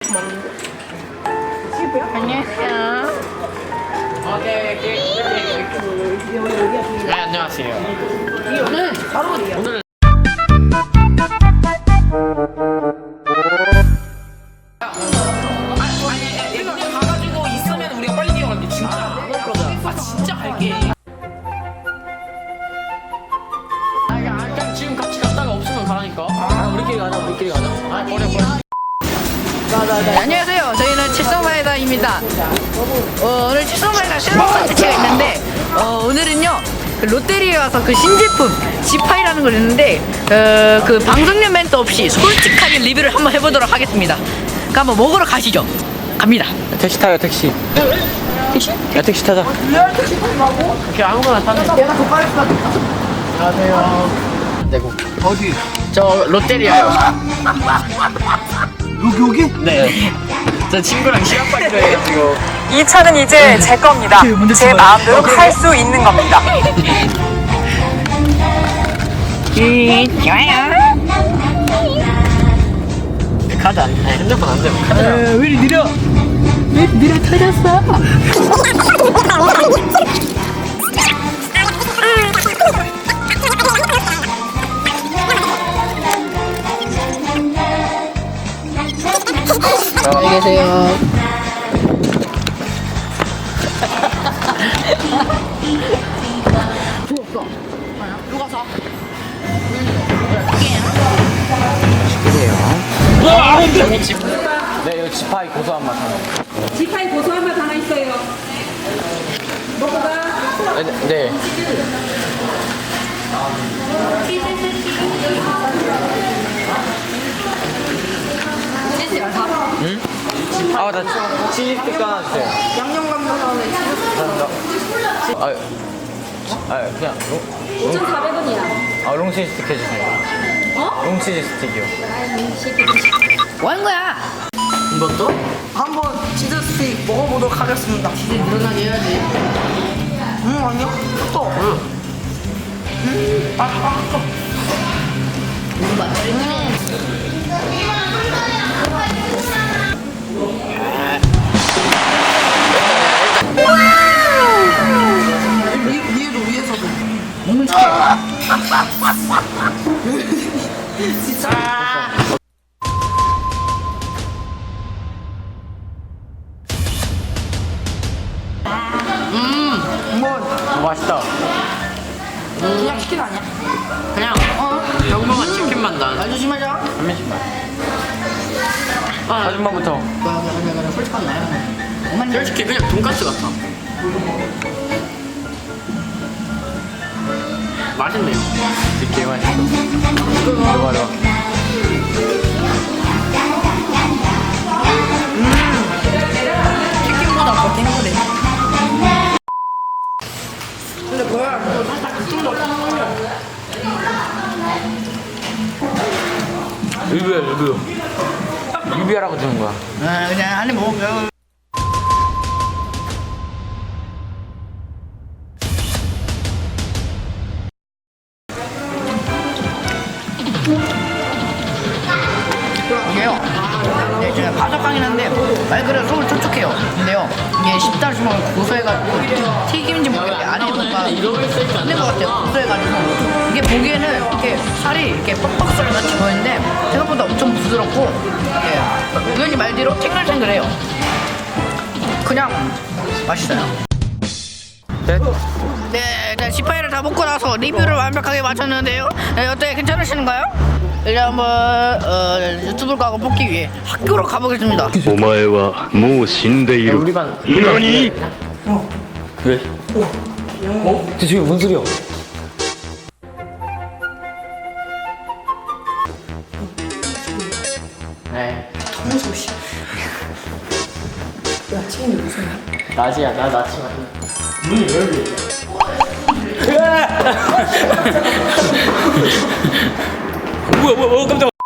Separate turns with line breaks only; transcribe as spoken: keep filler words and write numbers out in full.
안녕하세요.
네, 안녕하세요.
오늘 바로
오늘 아니, 이거 가가지고 있으면 우리가 빨리 뛰어갈게. 진짜. 아, 진짜 갈게. 아, 그냥 지금 같이 갔다가 없으면 가라니까. 아, 우리끼리 가자, 우리끼리 가자. 아, 버려, 버려.
네, 안녕하세요. 저희는 칠성마이다입니다. 어, 오늘 칠성마이다 새로운 컨텐츠가 있는데 어, 오늘은요 그 롯데리아에 와서 그 신제품 지파이라는 걸 있는데 어, 그 방송용 멘트 없이 솔직하게 리뷰를 한번 해보도록 하겠습니다. 그럼 한번 먹으러 가시죠. 갑니다.
택시 타요, 택시.
택시?
야, 택시 타자. 그렇게 아무거나 타는 거.
내가 더 빠를 것 같아.
안녕하세요. 내고.
어디?
저 롯데리아요.
여기 여기?
네. 저 친구랑 시간 빨기로 해가지고.
이 차는 이제 제 겁니다. 제 마음대로 할 수 있는 겁니다.
음, 좋아요.
카드 안, 아니, 핸드폰 안 되면 카드.
왜 이리 느려? 왜 이리 느려 터졌어? 안녕히 계세요. 부었어. 누가 사?
여기 집. 네, 여기 지파이 고소한 맛 하나.
지파이 고소한 맛 하나 있어요. 먹고 가.
네. 네. 응? 아, 나 치즈 스틱 하나 주세요.
양념 감자전에
감사합니다. 아, 아, 그냥 롱,
오천사백 원이야.
아, 롱치즈 스틱 해주세요.
어?
롱치즈 스틱이요.
뭐 하는 거야?
이것도?
한번 치즈 스틱 먹어보도록 하겠습니다.
이제 늘어나게 해야지.
음, 아니요. 또.
응.
음, 아, 아, 또. 위, 위에도 위에서도.
먹는 척해.
진짜. 음, 뭐
어, 맛있다.
그냥 치킨 아니야?
그냥, 어? 평범한 치킨만 난.
말 조심하자.
한 명씩만. 아, 아줌마부터.
그래 그래 그래 솔직한 나야. 엄마는
솔직히 그냥 돈까스 같아. 맛있네요. 되게 맛있어. 이거 봐라.
치킨보다 더 탱글해.
근데 뭐야? 이거 살짝 그쪽도
리뷰야, 리뷰. 리뷰하라고 주는 거야.
아 그냥 한입 먹어. 이게요. 네, 제가 바삭하긴 한데 말 그대로 속을 촉촉해요. 근데요 이게 씹다 보면 고소해가지고 튀김인지 모르겠는데 안에 뭔가 있는 것 같아요. 고소해가지고 이게 보기에는 이렇게 살이 이렇게 뻑뻑살 같이 보이는데 생각보다 엄청 부드럽고 이렇게 의원님 말대로 탱글탱글해요. 그냥 맛있어요.
네?
네, 네, 지파이를 다 먹고 나서 리뷰를 완벽하게 마쳤는데요. 네, 어때 괜찮으시는가요? 이제 한번 어, 유튜브를 가고 뽑기 위해 학교로 가보겠습니다.
お前はもう死んでい
야,
る
우리 반.
何
왜? 어? 저 지금 뭔 소리야? 네.
무서워, 씨. 야, 치킨이 무슨
낮이야, 나 낮이 맞나? 문이 왜 열려? 뭐야, 뭐야, 뭐야, 깜짝